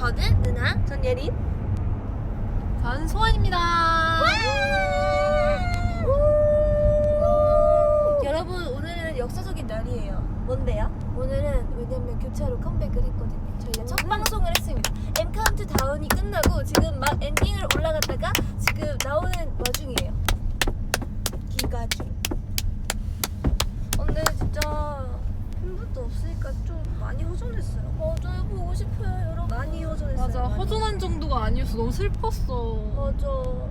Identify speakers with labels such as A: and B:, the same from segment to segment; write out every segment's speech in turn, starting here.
A: 저는 누나.
B: 전 예린.
C: 전 소원입니다.
A: 여러분 오늘은 역사적인 날이에요.
B: 뭔데요?
A: 오늘은 왜냐면 교차로 컴백을 했거든요. 저희가 첫 방송을 했습니다. M카운트 다운이 끝나고 지금 막 엔딩을 올라갔다가 지금 나오는 와중이에요. 기가 중. 근데 진짜 팬분도 없으니까 좀 많이 허전했어요. 맞아요. 보고 싶어요 여러분. 많이 허전했어요.
C: 맞아,
A: 많이.
C: 허전한 정도가 아니었어. 너무 슬펐어.
A: 맞아.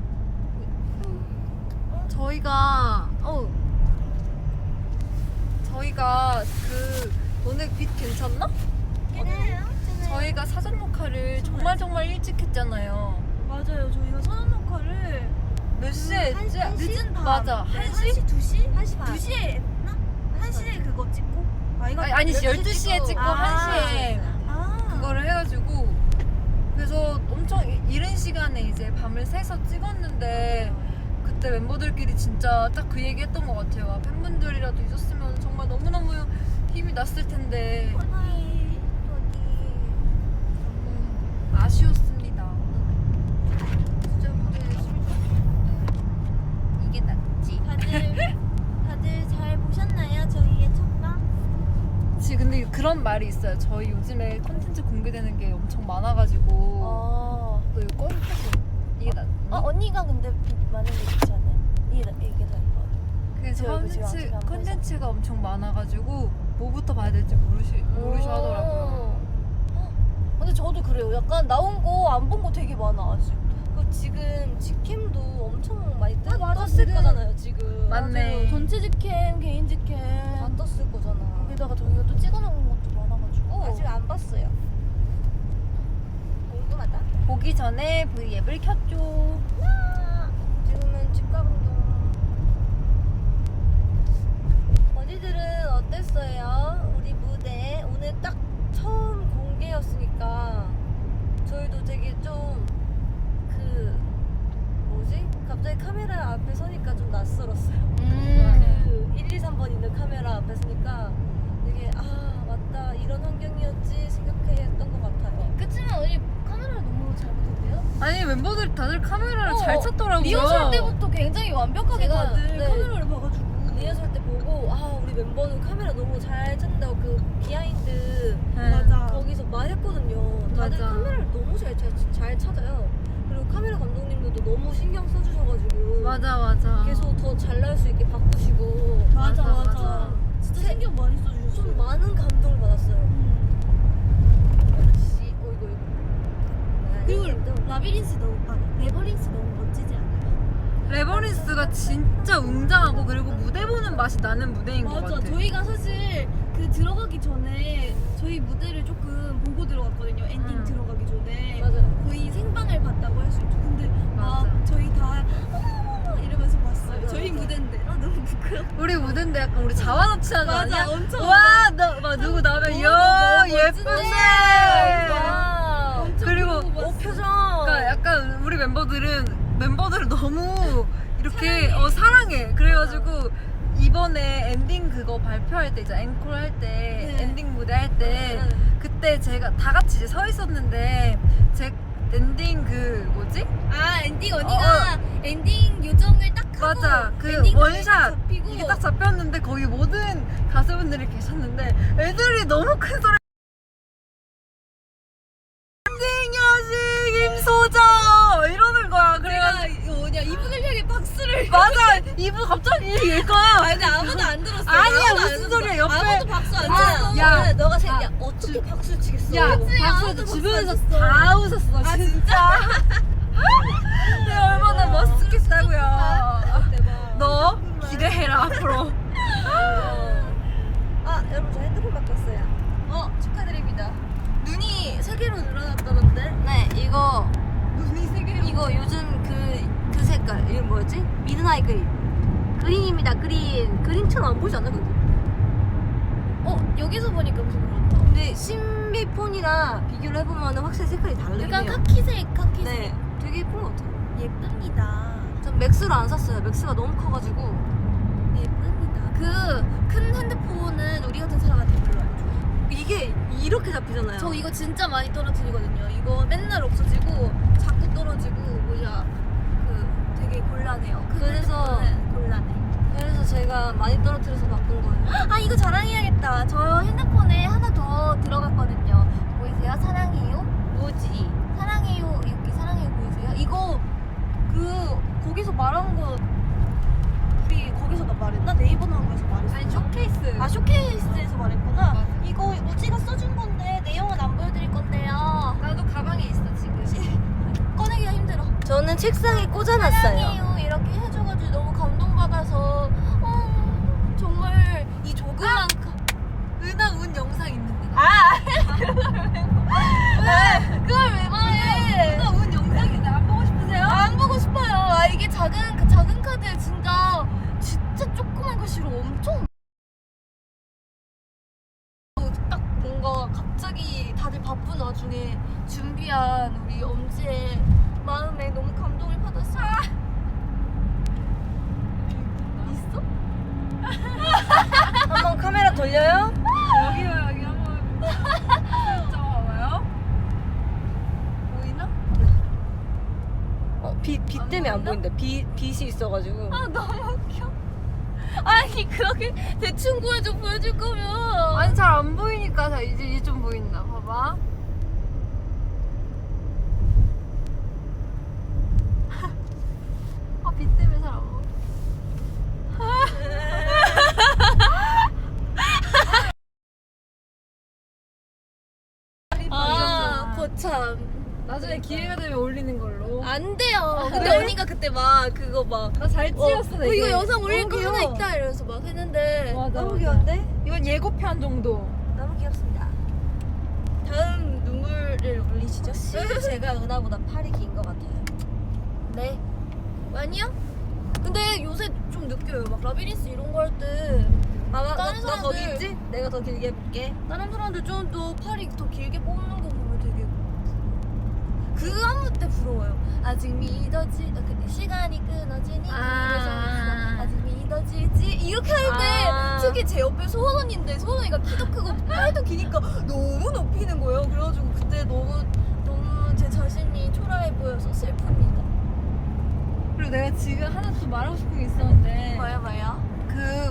C: 저희가 그 너네 빛 괜찮나?
A: 괜찮아요?
C: 저희가 사전 녹화를 정말 일찍 했잖아요.
A: 맞아요. 저희가 선언 녹화를
C: 몇 시에 했지?
A: 늦은 밤.
C: 맞아.
A: 네,
C: 1시?
A: 2시?
B: 1시 반.
A: 2시에 했나? 1시에 그거 찍고?
C: 아니 12시에 찍고
A: 아.
C: 1시에 그거를 해가지고 그래서 엄청 이른 시간에 이제 밤을 새서 찍었는데 그때 멤버들끼리 진짜 딱 그 얘기 했던 것 같아요. 아, 팬분들이라도 있었으면 정말 너무너무 힘이 났을 텐데 아쉬웠습니다.
A: 진짜 무대 열심히
C: 이게 낫지.
A: 다들 잘 보셨나요? 저희의 첫방?
C: 근데 그런 말이 있어요. 저희 요즘에 콘텐츠 공개되는 게 엄청 많아가지고 너 이거 꺼놓고 이게 낫
A: 언니가 근데 빛 많은 게 좋지 않아요? 이게 더 예뻐요.
C: 그래서
A: 저 지금 아직 안
C: 콘텐츠가 엄청 많아가지고 뭐부터 봐야 될지 모르셔 하더라고요.
A: 근데 저도 그래요. 약간 나온 거 안 본 거 되게 많아 아직. 그 지금 직캠도 엄청 많이 떴을
B: 지금.
A: 거잖아요 지금.
C: 맞네.
A: 맞아요. 전체 직캠, 개인 직캠
B: 다 떴을 거잖아.
A: 거기다가 저희가 또 찍어놓은 것도 많아가지고
B: 아직 안 봤어요. 궁금하다.
C: 보기 전에 V앱을 켰죠.
B: 지금은 집 가는 중.
A: 언니들은 어땠어요? 우리 무대 오늘 딱 처음 공개였으니까 저희도 되게 좀 갑자기 카메라 앞에 서니까 좀 낯설었어요. 그 1, 2, 3번 있는 카메라 앞에 서니까 되게 맞다 이런 환경이었지 생각했던 것 같아요. 그치만 언니 카메라를 너무 잘 보던데요?
C: 아니 멤버들 다들 카메라를 잘 찾더라고요.
A: 리허설 때부터 굉장히 완벽하게
B: 제가,
A: 다들
B: 네.
A: 카메라를 봐가지고 리허설 때 보고 우리 멤버는 카메라 너무 잘 찾는다고 그 비하인드
C: 네.
A: 거기서 말했거든요. 다들
C: 맞아.
A: 카메라를 너무 잘 찾아요. 그리고 카메라 감독님들도 너무 신경 써주셔가지고
C: 맞아.
A: 계속 더 잘 나올 수 있게 바꾸시고
C: 맞아.
A: 진짜 신경 많이 써주셨어요. 좀 많은 감동을 받았어요. 역시 이거
B: 그리고
A: 라비린스 레버린스 너무 멋지지 않아요?
C: 레버린스가 진짜 웅장하고 그리고 무대 보는 맛이 나는 무대인 것 같아.
A: 저희가 사실 그 들어가기 전에 저희 무대를 조금 보고 들어갔거든요. 엔딩 들어가기 전에. 맞아요. 거의 생방을 봤다고 할 수 있죠. 근데
C: 맞아.
A: 저희 다 어머머머 이러면서 봤어요.
B: 맞아,
A: 저희
B: 맞아.
A: 무대인데 너무 부끄럽다.
C: 우리 무대인데 약간 우리 자화자찬하지
A: 맞아,
C: 않냐?
A: 엄청
C: 와, 막 누구 나오면 이야 예쁘네. 그리고
A: 표정.
C: 그러니까 약간 우리 멤버들을 너무 이렇게 사랑해. 그래가지고 이번에 엔딩 그거 발표할 때 이제 앵콜 할 때 엔딩 무대 할 때 그때 제가 다 같이 이제 서 있었는데 제 엔딩 그 뭐지?
A: 엔딩 언니가 엔딩 요정을 딱 하고
C: 맞아 그
A: 엔딩
C: 원샷
A: 잡히고
C: 이게 딱 잡혔는데 거기 모든 가수분들이 계셨는데 애들이 너무 큰 소리 엔딩 여신 김소정 이러는 거야. 그래가지고
A: 이거 뭐냐 이분을 향해 박수를
C: 맞아 이분 갑자기 이거야.
A: 근데 아무도 안 들었어.
C: 아니야, 무슨 소리야, 옆에.
A: 아무도 박수 안
C: 아,
A: 쳤어.
C: 야.
A: 너가
C: 아,
A: 어떻게 박수 치겠어?
C: 야
A: 그치,
C: 박수
A: 아무도
C: 주변에서
A: 박수 안 쳤어.
C: 다 웃었어 진짜. 내가 얼마나 멋있겠다고요.
A: 대박.
C: 너 기대해라 앞으로.
B: 여러분 저 핸드폰 바꿨어요.
A: 축하드립니다. 눈이 3개로 늘어났다던데?
B: 네, 이거
A: 눈이 3개로.
B: 이거 요즘 그 색깔 이거 뭐였지? 미드나잇 그린입니다. 그린처럼 안 보이지 않나 근데?
A: 여기서 보니까 무슨 그렇다.
B: 근데 신비폰이랑 비교를 해보면 확실히 색깔이 다르긴
A: 약간
B: 해요.
A: 카키색.
B: 네, 되게 예쁜 것 같아요.
A: 예쁩니다.
B: 전 맥스를 안 샀어요. 맥스가 너무 커가지고.
A: 예쁩니다. 그 큰 핸드폰은 우리 같은 사람한테 별로 안 좋아.
B: 이게 이렇게 잡히잖아요.
A: 저 이거 진짜 많이 떨어뜨리거든요. 이거
B: 곤란해요.
A: 그래서-
B: 곤란해.
A: 그래서 제가 많이 떨어뜨려서 바꾼 거예요.
B: 아 이거 자랑해야겠다. 저 핸드폰에 하나 더 들어갔거든요. 보이세요? 사랑해요.
A: 뭐지?
B: 사랑해요. 여기 사랑해요 보이세요? 이거 거기서 말한 거 우리 거기서 말했나? 네이버 나온 거에서 말했어.
C: 아니 쇼케이스.
B: 아 쇼케이스에서 말했구나.
C: 맞아.
B: 이거 우지가 써준 건데 내용은 안 보여드릴 건데요.
C: 나도 가방에 있어 지금.
B: 꺼내기가 힘들어.
A: 저는 책상에 꽂아놨어요.
B: 사랑해요 이렇게 해줘가지고 너무 감동받아서 정말 이 조그만
C: 은하 운 영상 있는데.
B: 그걸 왜 말해?
C: 은하 운 영상인데 안 보고 싶으세요?
B: 안 보고 싶어요. 이게 작은 카드에 진짜 조그만 글씨로 엄청 딱 뭔가 갑자기 다들 바쁜 와중에 준비한 우리 엄지의 마음에 너무 감동을 받았어요. 있어?
A: 한번 카메라 돌려요?
C: 여기요 여기 한번 좀 와봐요. 보이나?
A: 빛 때문에 안 보인다. 빛이 있어가지고.
B: 아 너무 웃겨. 아니 그렇게 대충 보여줄 거면
C: 아니 잘 안 보이니까 자 이제 좀 보인다. 봐봐. 빛 때문에 잘 안 보여.
B: 거참
C: 나중에 기회가 되면 올리는 걸로.
B: 안 돼요. 근데
A: 그래?
B: 언니가 그때 막 그거 막
C: 나 잘 찍었어. 되게.
B: 이거 영상 올릴 거
A: 너무
B: 하나
A: 귀여워.
B: 있다 이러면서 막 했는데
C: 맞아,
A: 너무
C: 맞아.
A: 귀여운데?
C: 이건 예고편 정도.
A: 너무 귀엽습니다.
B: 다음 눈물을 올리시죠.
A: 확실히 제가 은하보다 팔이 긴 것 같아요.
B: 네. 아니야? 근데 요새 좀 느껴요. 막 라비린스 이런 거 할 때
A: 봐봐,
B: 다른
A: 너 거기
B: 사람들-
A: 있지? 내가 더 길게 해볼게.
B: 다른 사람들 좀 더 팔이 더 길게 뽑는 거 보면 되게 그 안무 때 부러워요. 아직 믿어지 시간이 끊어지니 그래서 아직 믿어지지 이렇게 할 때
A: 아.
B: 특히 제 옆에 소원 언니인데 소원 언니가 키도 크고 팔도 기니까 너무 높이는 거예요. 그래가지고 그때 너무 제 자신이 초라해 보여서 슬픕니다.
C: 그리고 내가 지금 하나 또 말하고 싶은 게 있었는데.
B: 뭐야?
C: 그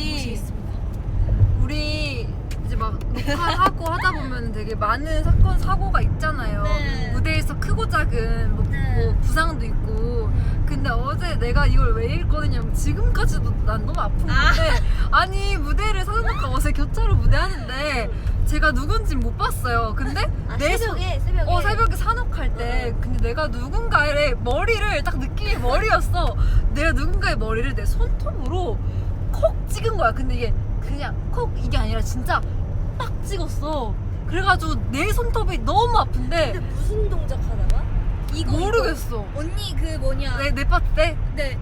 C: 우리 이제 막 녹화하고 하다 보면 되게 많은 사건 사고가 있잖아요.
B: 네.
C: 무대에서 크고 작은 뭐,
B: 네.
C: 뭐 부상도 있고. 근데 어제 내가 이걸 왜 읽거든요. 지금까지도 난 너무 아픈 건데 아니 무대를 사전녹화 어제 교차로 무대 하는데 제가 누군진 못 봤어요. 근데 내
A: 새벽에
C: 새벽에 산옥할 때 근데 내가 누군가의 머리를 딱 느낌이 머리였어. 내가 누군가의 머리를 내 손톱으로 콕 찍은 거야. 근데 이게 그냥 콕 이게 아니라 진짜 빡 찍었어. 그래가지고 내 손톱이 너무 아픈데
A: 근데 무슨 동작 하다가?
B: 이거
C: 모르겠어.
B: 언니 그 뭐냐?
C: 내 파트 때
B: 네.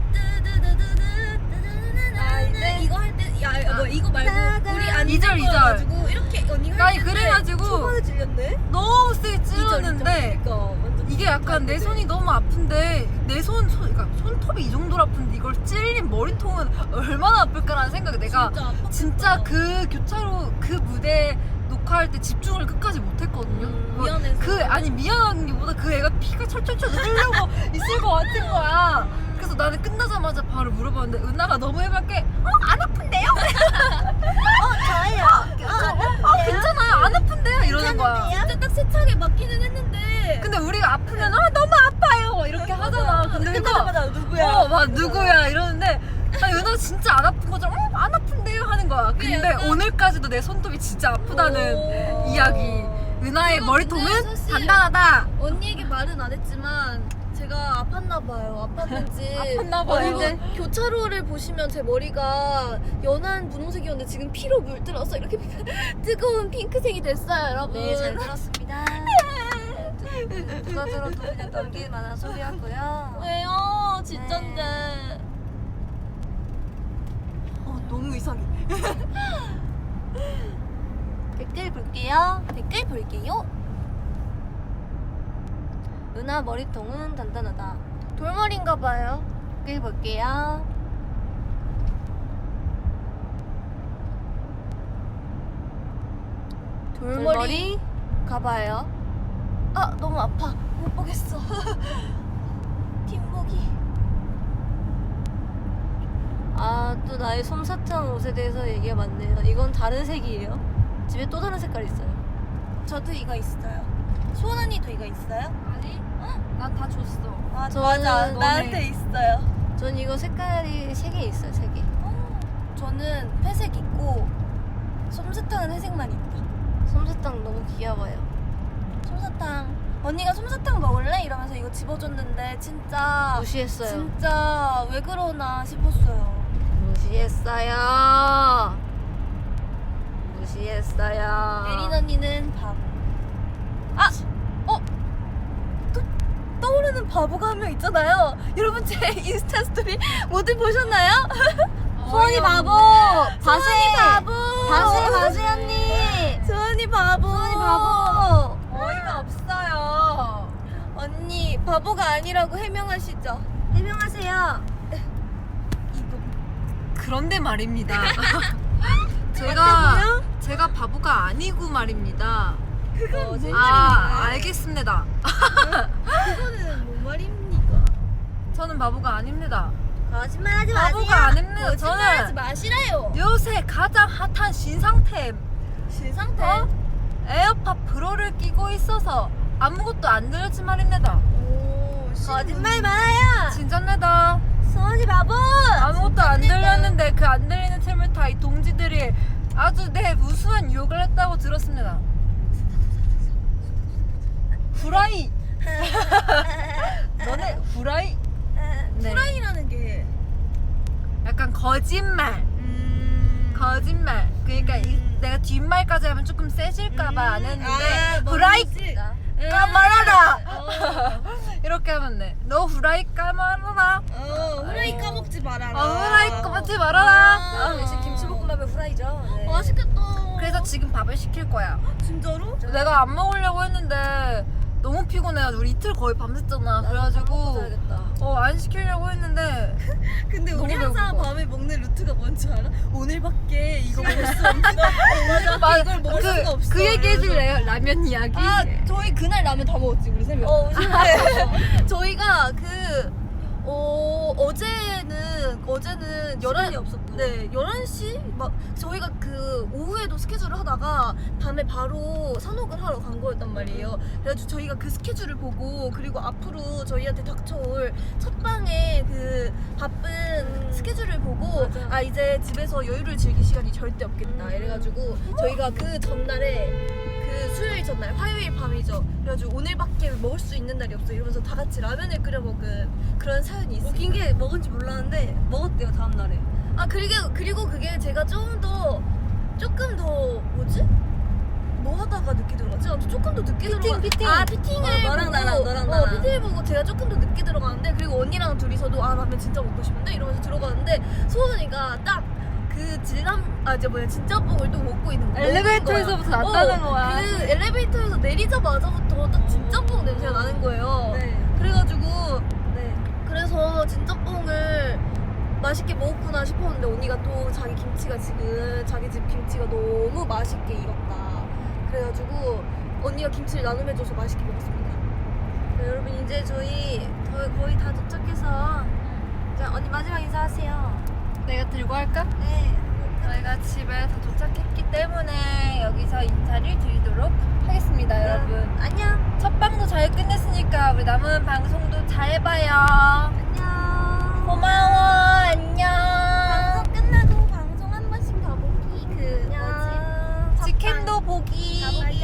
A: 아, 네.
B: 이거 할 때 뭐 이거 말고 우리 안
C: 이절, 이절.
B: 가지고 이렇게 언니 할
C: 아니
B: 때
C: 그래가지고
A: 초반에 질렸네?
C: 너무 세게 찔렀는데
A: 그러니까 완전
C: 이게 약간 내 손이 너무 아픈데 내 그러니까 손톱이 이 정도로 아픈데 이걸 찔린 머리통은 얼마나 아플까라는 생각에 내가 진짜 그 교차로 그 무대 녹화할 때 집중을 끝까지 못했거든요. 뭐
B: 미안해서.
C: 아니 미안한 게 보다 그 애가 피가 철철철 흐르고 있을 것 같은 거야. 그래서 나는 끝나자마자 바로 물어봤는데 은하가 너무 해맑게 안 아픈데요?
A: 저예요.
C: 괜찮아요 안 아픈데요? 이러는 거야.
B: 진짜 딱 세차게 맞기는 했는데
C: 근데 우리가 아프면 너무 아파요 이렇게 하잖아. 근데 은하
A: 끝나자마자 누구야?
C: 막 누구야 이러는데 아니 은하 진짜 안 아픈 거잖아. 안 아픈데요 하는 거야. 근데
B: 약간-
C: 오늘까지도 내 손톱이 진짜 아프다는
B: 오.
C: 이야기. 은하의
B: 이거
C: 머리통은
B: 근데 사실-
C: 단단하다.
B: 언니에게 말은 안 했지만 제가 아팠나 봐요. 아팠는지.
C: 아팠나 봐요.
B: 그리고 교차로를 보시면 제 머리가 연한 분홍색이었는데 지금 피로 물들어서 이렇게 뜨거운 핑크색이 됐어요, 여러분.
A: 네, 잘 들었습니다. 누가 들어도 그냥 넘길 만한 소리였고요.
B: 왜요? 진짠데. 너무 이상해.
A: 댓글 볼게요.
B: 댓글 볼게요.
A: 은하 머리통은 단단하다.
B: 돌머리인가 봐요.
A: 댓글 볼게요.
B: 돌머리 가봐요. 아 너무 아파. 못 보겠어. 뒷목이.
A: 아, 또 나의 솜사탕 옷에 대해서 얘기가 많네요. 이건 다른 색이에요. 집에 또 다른 색깔이 있어요.
B: 저도 이거 있어요. 소원 언니도 이거 있어요?
C: 아니, 난 다 줬어.
B: 아
A: 저는
B: 맞아.
A: 너네.
B: 나한테 있어요.
A: 전 이거 색깔이 3개 있어요. 3개.
B: 저는 회색 있고 솜사탕은 회색만 있다.
A: 솜사탕 너무 귀여워요.
B: 솜사탕. 언니가 솜사탕 먹을래? 이러면서 이거 집어줬는데 진짜
A: 무시했어요.
B: 진짜 왜 그러나 싶었어요.
A: 무시했어요. 무시했어요.
B: 예린 언니는 바보. 아! 또 떠오르는 바보가 한 명 있잖아요. 여러분 제 인스타 스토리 모두 보셨나요?
A: 소원이 바보.
B: 소원이 바보.
A: 바세 언니.
B: 소원이 바보.
A: 소원이 바보.
C: 어이가 없어요.
B: 언니 바보가 아니라고 해명하시죠.
A: 해명하세요.
B: 이거
C: 그런데 말입니다.
B: 맞다고요?
C: 제가 바보가 아니고 말입니다.
B: 그건 뭔
C: 알겠습니다.
B: 그거는 뭔 말입니까?
C: 저는 바보가 아닙니다.
A: 거짓말하지
C: 바보가 아닙니다.
B: 거짓말하지
C: 저는
B: 마시라요.
C: 요새 가장 핫한 신상템
B: 신상태.
C: 에어팟 프로를 끼고 있어서 아무것도 안 들렸지 말입니다.
B: 오,
A: 거짓말 말아요.
C: 진짜입니다.
A: 소원이 바보.
C: 아무것도 안 들렸는데 그 안 들리는 틈을 타 이 동지들이 아주 내 무수한 유혹을 했다고 들었습니다. 후라이. 너네 후라이. 네.
B: 프라이라는 게
C: 약간 거짓말. 거짓말. 그러니까 내가 뒷말까지 하면 조금 세질까봐 안 했는데 후라이 까말아라. 이렇게 하면 돼. 너 후라이 까말아라.
B: 후라이 까먹지 말아라.
C: 후라이 까먹지 말아라.
A: 아, 역시 김치볶음밥의 후라이죠. 네.
B: 맛있겠다.
C: 그래서 지금 밥을 시킬 거야.
B: 진짜로?
C: 내가 안 먹으려고 했는데 너무 피곤해가지고 우리 이틀 거의 밤샜잖아. 그래가지고
A: 자야겠다.
C: 안 시키려고 했는데
B: 근데 우리
C: 너무
B: 항상
C: 배고파.
B: 밤에 먹는 루트가 뭔지 알아? 오늘밖에 이거 먹을 수 없는
C: 맞아.
B: 이걸 먹을 수가 없어.
C: 그 얘기 해줄래요? 라면 이야기.
B: 아 저희 그날 라면 다 먹었지 우리 세 명. 저희가 어제는
A: 시간이 없었고.
B: 네 11시 막 저희가 그 오후에도 스케줄을 하다가 밤에 바로 산옥을 하러 간 거였단 말이에요. 그래가지고 저희가 그 스케줄을 보고 그리고 앞으로 저희한테 닥쳐올 첫 방의 그 바쁜 스케줄을 보고
A: 맞아.
B: 아 이제 집에서 여유를 즐길 시간이 절대 없겠다 이래가지고 저희가 그 전날에 그 수요일 전날 화요일 밤이죠. 그래가지고 오늘밖에 먹을 수 있는 날이 없어 이러면서 다 같이 라면을 끓여 먹은 그런 사연이 있어요.
A: 웃긴 게 먹은지 몰랐는데 먹었대요 다음 날에.
B: 아 그리고 그게 제가 조금 더 뭐지? 뭐 하다가 늦게 들어갔지? 아무튼 조금 더 늦게
A: 피팅.
B: 아 피팅을
A: 너랑
B: 보고
A: 나랑 나랑.
B: 피팅을 보고 제가 조금 더 늦게 들어가는데 그리고 언니랑 둘이서도 아 라면 진짜 먹고 싶은데 이러면서 들어가는데 소은이가 딱 그 진짬뽕을 또 먹고 있는 거야.
C: 엘리베이터에서부터 났다는 거야.
B: 그 엘리베이터에서 내리자마자부터 딱 진짬뽕 냄새가 나는 거예요.
A: 네.
B: 그래가지고
A: 네.
B: 그래서 진짬뽕을 맛있게 먹었구나 싶었는데 언니가 또 자기 김치가 지금 자기 집 김치가 너무 맛있게 익었다. 그래가지고 언니가 김치를 나눔해줘서 맛있게 먹었습니다.
A: 네, 여러분 이제 저희 거의 다 도착해서 이제 언니 마지막 인사하세요.
C: 내가 들고 할까?
A: 네.
C: 저희가 집에 다 도착했기 때문에 여기서 인사를 드리도록 하겠습니다, 여러분.
A: 안녕.
C: 첫 방도 잘 끝냈으니까 우리 남은 방송도 잘 봐요.
A: 안녕.
C: 고마워. 안녕.
B: 방송 끝나고 방송 한 번씩 더 보기 그
A: 안녕.
B: 뭐지?
C: 직캠도 보기.
B: 가보기.